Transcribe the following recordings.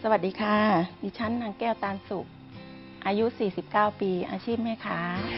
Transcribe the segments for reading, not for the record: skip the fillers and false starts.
สวัสดีค่ะดิฉันนางแก้วตาลสุขอายุ 49 ปีอาชีพแม่ค้า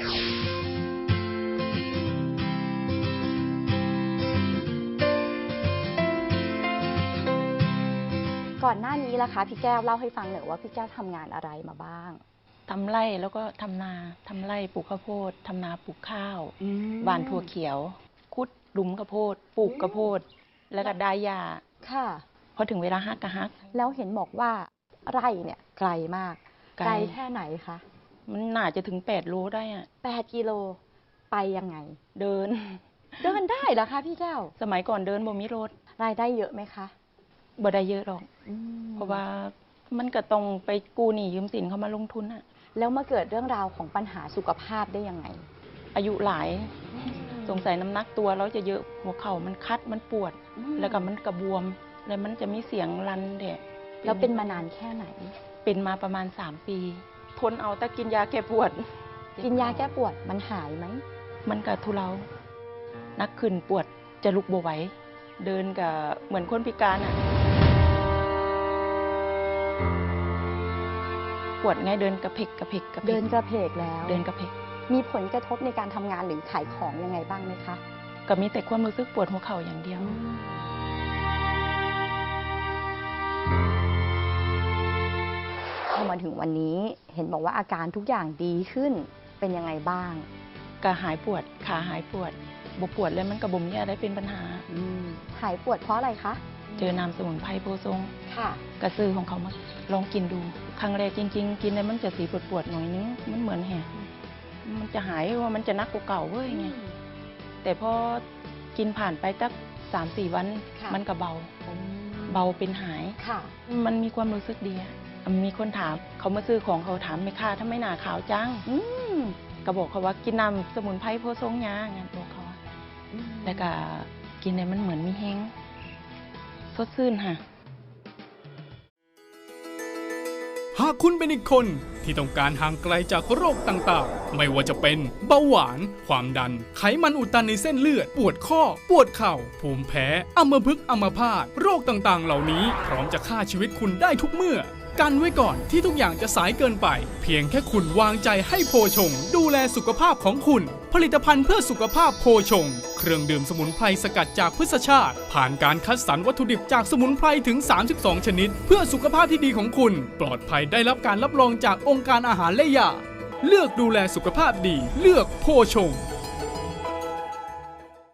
ก่อนหน้านี้ล่ะคะพี่แก้วเล่าให้ฟังหน่อยว่าพี่แก้วทำงานอะไรมาบ้างทำไร่แล้วก็ทำนาทำไร่ปลูกข้าวโพดทำนาปลูกข้าวหว่านถั่วเขียวคุดหลุมข้าวโพดปลูกข้าวโพดแล้วก็ได้หญ้าค่ะพอถึงเวลาฮักก็ฮักแล้วเห็นบอกว่าไร่เนี่ยไกลมากไกลไกลแค่ไหนคะมันน่าจะถึง8 โลได้อะ 8 กิโลไปยังไงเดินเดินได้เหรอคะพี่แก้วสมัยก่อนเดินบ่มีรถรายได้เยอะไหมคะบ่ได้เยอะหรอกเพราะว่ามันก็ต้องไปกู้หนี้ยืมสินเขามาลงทุนอะแล้วมาเกิดเรื่องราวของปัญหาสุขภาพได้ยังไงอายุหลายสงสัยน้ำหนักตัวเราจะเยอะหัวเข่ามันคัดมันปวดแล้วก็มันกระบวมแล้วมันจะมีเสียงรันเดะแล้วเป็นมานานแค่ไหนเป็นมาประมาณ3 ปีทนเอาแต่กินยาแก้ปวดกินยาแก้ปวดมันหายไหมมันก็ทุเลานักขึ้นปวดจะลุกบ่ไหวเดินกับเหมือนคนพิการอ่ะปวดไงเดินกระเพกกระเพกกระเพกเดินกระเพกแล้วเดินกระเพกมีผลกระทบในการทำงานหรือขายของยังไงบ้างไหมคะก็มีแต่ความรู้สึกปวดหัวเข่าอย่างเดียวพอมาถึงวันนี้เห็นบอกว่าอาการทุกอย่างดีขึ้นเป็นยังไงบ้างก็หายปวดขาหายปวดบ่ปวดเลยมันกระบุมเนี่ยได้เป็นปัญหาหายปวดเพราะอะไรคะเจอน้ำสมุนไพรโพทรงค่ะกระซื้อของเขามาลองกินดูครั้งแรกจริงๆกินแล้วมันจะสีปวดๆหน่อยนึงมันเหมือนแหะมันจะหายว่ามันจะนักกว่าเก่าเว้ยไงแต่พอกินผ่านไปสัก3-4 วันมันก็เบาเป็นหายมันมีความรู้สึกดีมีคนถามเขามาซื้อของเขาถามไม่ค่าถ้าไม่หนาขาวจังก็บอกเขาว่ากินน้ำสมุนไพรโพทรงยางานบอกเขาแล้วก็กินเนี่ยมันเหมือนมีแห้งสดชื่นค่ะหากคุณเป็นอีกคนที่ต้องการห่างไกลจากโรคต่างๆไม่ว่าจะเป็นเบาหวานความดันไขมันอุดตันในเส้นเลือดปวดข้อปวดเข่าภูมิแพ้อัมพฤกษ์อัมพาตโรคต่างๆเหล่านี้พร้อมจะฆ่าชีวิตคุณได้ทุกเมื่อกันไว้ก่อนที่ทุกอย่างจะสายเกินไปเพียงแค่คุณวางใจให้โพชงดูแลสุขภาพของคุณผลิตภัณฑ์เพื่อสุขภาพโพชงเครื่องดื่มสมุนไพรสกัดจากพืชชาติผ่านการคัดสรรวัตถุดิบจากสมุนไพรถึง32 ชนิดเพื่อสุขภาพที่ดีของคุณปลอดภัยได้รับการรับรองจากองค์การอาหารและยาเลือกดูแลสุขภาพดีเลือกโพชง